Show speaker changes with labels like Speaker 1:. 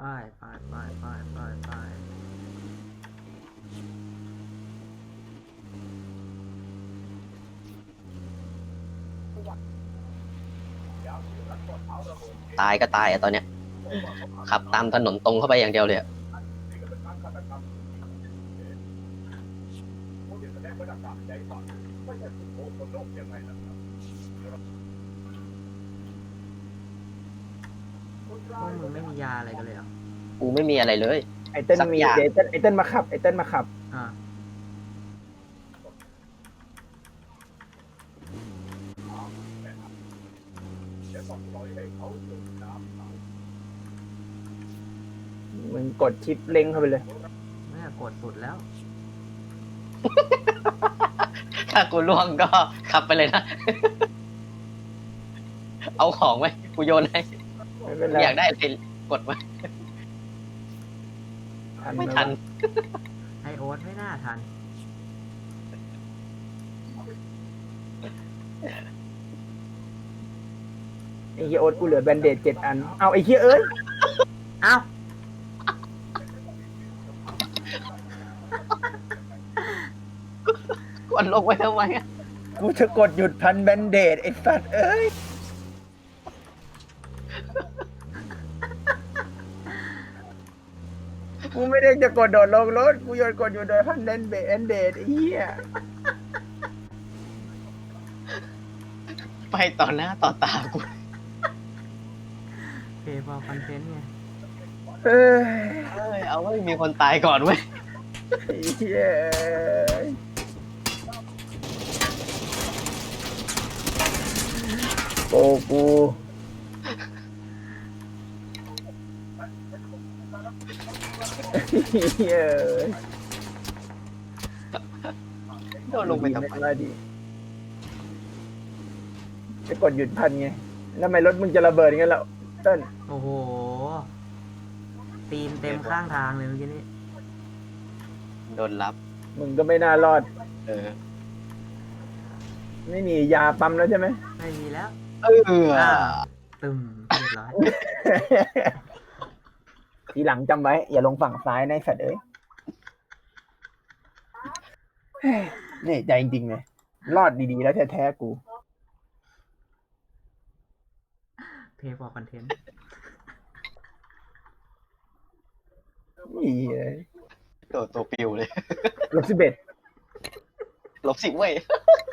Speaker 1: ไปไป
Speaker 2: ตายก็ตายอะตอนเนี้ยขับตามถนนตรงเข้าไปอย่างเดียวเลยอะ
Speaker 1: พวกมึงไม่มียาอะไรกันเลยเหรอ
Speaker 2: กูไม่มีอะไรเลย
Speaker 3: ไอเติ้ล
Speaker 2: สัก
Speaker 3: มี
Speaker 2: อย่าง
Speaker 3: เดี๋ยวไอเติ้ลมาขับไอเติ้ลมาขับ
Speaker 1: อ่า
Speaker 3: มึงกดชิปเล็งเข้าไปเลย
Speaker 1: ไม่อยากกดสุดแล้ว
Speaker 2: ถ้ากูล่วงก็ขับไปเลยนะ เอาของไหมกูโยนให้
Speaker 3: ไม่เป็นไร
Speaker 2: อยากได้อะไรกดมาไม่ทัน
Speaker 1: ไอโอ๊ตไม่น่าทัน
Speaker 3: ไอเฮียโอ๊ตกูเหลือแบนเดจ7 อันเอาไอเฮียเอ้ย
Speaker 1: เอ้า
Speaker 2: กดลงไว้ทำไมอะ
Speaker 3: กูจะกดหยุดพันแบนเดจไอสัตว์เอ้ยกูไม่ได้จะกดโดดลงรถกูโยนกดอยู่โดยพันแบนเดจไอ้เหี้ย
Speaker 2: ไปต่อหน้าต่อตากู
Speaker 1: เพย์พอคอนเทนต์ไง
Speaker 3: เอ้ย
Speaker 2: เอ้ยเอาไว้มีคนตายก่อนเว้ย
Speaker 3: ไอ้เหี้ยโอ้กูเหี้ย
Speaker 2: โดนลงไปทำไม
Speaker 3: ม่ดีจะกดหยุดพันไงแล้วทำไมรถมึงจะระเบิดงั้นแล้วเต้น
Speaker 1: โอ้โห ตีนเต็มข้างทางเลยเมื่อกี้นี้
Speaker 2: โดนรับ
Speaker 3: มึงก็ไม่น่ารอด
Speaker 2: เออ
Speaker 3: ไม่มียาปั๊มแล้วใช่ไหม
Speaker 1: ไม่มีแล้ว
Speaker 2: เออ
Speaker 1: ตึมเรียบร้อย
Speaker 3: ทีหลังจำไว้ อย่าลงฝั่งซ้ายนะไอ้สัตว์เอ้ยเนี่ยใจจริงๆเลยรอดดีๆแล้วแท้ๆกู
Speaker 1: เพย์พอคอนเทนต์
Speaker 3: นี่เลย
Speaker 2: ตัวปิวเลย
Speaker 3: ลบ11
Speaker 2: ลบ10เว้ย